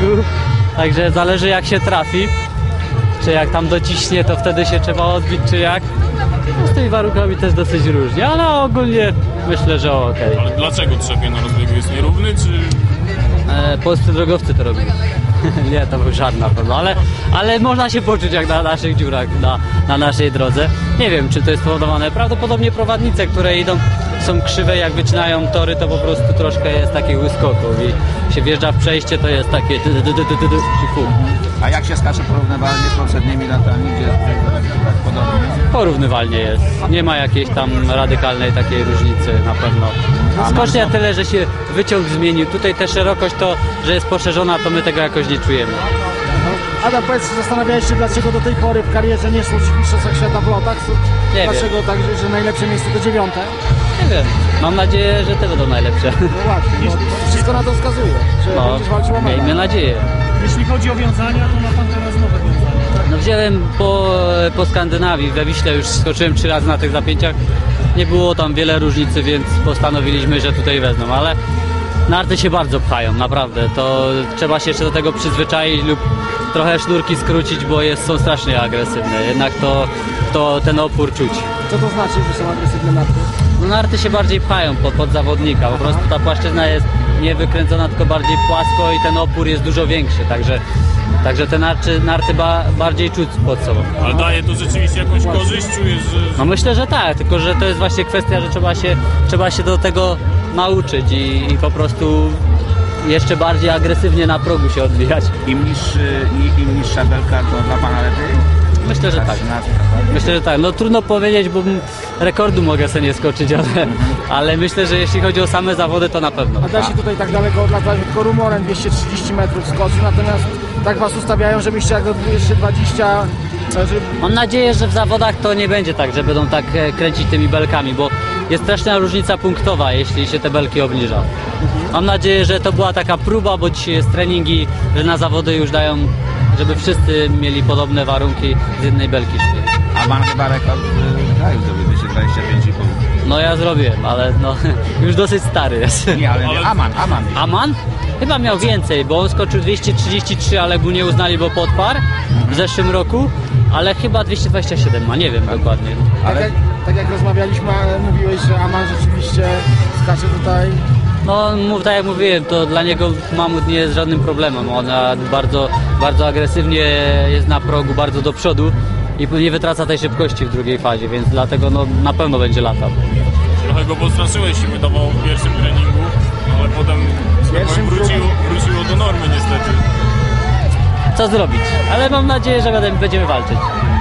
Także zależy jak się trafi. Czy jak tam dociśnie, to wtedy się trzeba odbić, czy jak. No z tymi warunkami też dosyć różnie, ale ogólnie myślę, że okej. Ale dlaczego trzepie na rozbiegu jest nierówny, czy... Polscy drogowcy to robili. Nie, to był żart na pewno, ale można się poczuć jak na naszych dziurach, na naszej drodze. Nie wiem, czy to jest spowodowane. Prawdopodobnie prowadnice, które idą, są krzywe, jak wycinają tory, to po prostu troszkę jest takich wyskoków i się wjeżdża w przejście, to jest takie i fu. A jak się skacze porównywalnie z poprzednimi latami, gdzie podobnie? Porównywalnie jest. Nie ma jakiejś tam radykalnej takiej różnicy na pewno. Skocznia tyle, że się wyciąg zmienił. Tutaj ta szerokość to, że jest poszerzona, to my tego jakoś nie czujemy. Adam, powiedz, zastanawiałeś się, dlaczego do tej pory w karierze nie szło w mistrzostwach świata w lotach? Nie Dlaczego wiem. tak, że najlepsze miejsce to 9? Nie wiem. Mam nadzieję, że te będą najlepsze. No właśnie, bo wszystko na to wskazuje, że No, będziesz walczył o medal. miejmy nadzieję. Jeśli chodzi o wiązania, to ma pan teraz nowe wiązania. No wziąłem po Skandynawii, we Wiśle już skoczyłem 3 razy na tych zapięciach. Nie było tam wiele różnicy, więc postanowiliśmy, że tutaj wezmą, ale narty się bardzo pchają, naprawdę. To trzeba się jeszcze do tego przyzwyczaić lub trochę sznurki skrócić, bo są strasznie agresywne. Jednak to ten opór czuć. Co to znaczy, że są agresywne narty? No narty się bardziej pchają pod zawodnika, po prostu ta płaszczyzna jest nie wykręcona, tylko bardziej płasko i ten opór jest dużo większy, także te narty bardziej czuć pod sobą. Ale daje to rzeczywiście jakąś korzyść? Czujesz, że... No myślę, że tak, tylko że to jest właśnie kwestia, że trzeba się do tego nauczyć i po prostu jeszcze bardziej agresywnie na progu się odbijać. Im niższa belka, to dla pana lepiej? Myślę, że tak. Myślę, że tak. No trudno powiedzieć, bo rekordu mogę sobie nie skoczyć, ale myślę, że jeśli chodzi o same zawody, to na pewno. A da się tutaj tak daleko odlatać, tylko rumorem 230 metrów skoczy, natomiast tak was ustawiają, żebyście jak do 220... Mam nadzieję, że w zawodach to nie będzie tak, że będą tak kręcić tymi belkami, bo jest straszna różnica punktowa, jeśli się te belki obniża. Mam nadzieję, że to była taka próba, bo dzisiaj jest treningi, że na zawody już dają, żeby wszyscy mieli podobne warunki z jednej belki szli. A pan chyba rekord kraju zdobył 225,5. No ja zrobiłem, ale no już dosyć stary jest. Nie, ale Aman. Aman? Chyba miał więcej, bo on skoczył 233, ale go nie uznali, bo podparł w zeszłym roku, ale chyba 227 ma, nie wiem dokładnie. Ale... Tak jak rozmawialiśmy, mówiłeś, że Aman rzeczywiście skacze tutaj... No tak jak mówiłem, to dla niego mamut nie jest żadnym problemem. Ona bardzo agresywnie jest na progu, bardzo do przodu i nie wytraca tej szybkości w drugiej fazie, więc dlatego no, na pewno będzie latał. Trochę go postraszyłeś, się wydawało w pierwszym treningu, ale potem wróciło do normy niestety. Co zrobić? Ale mam nadzieję, że będziemy walczyć.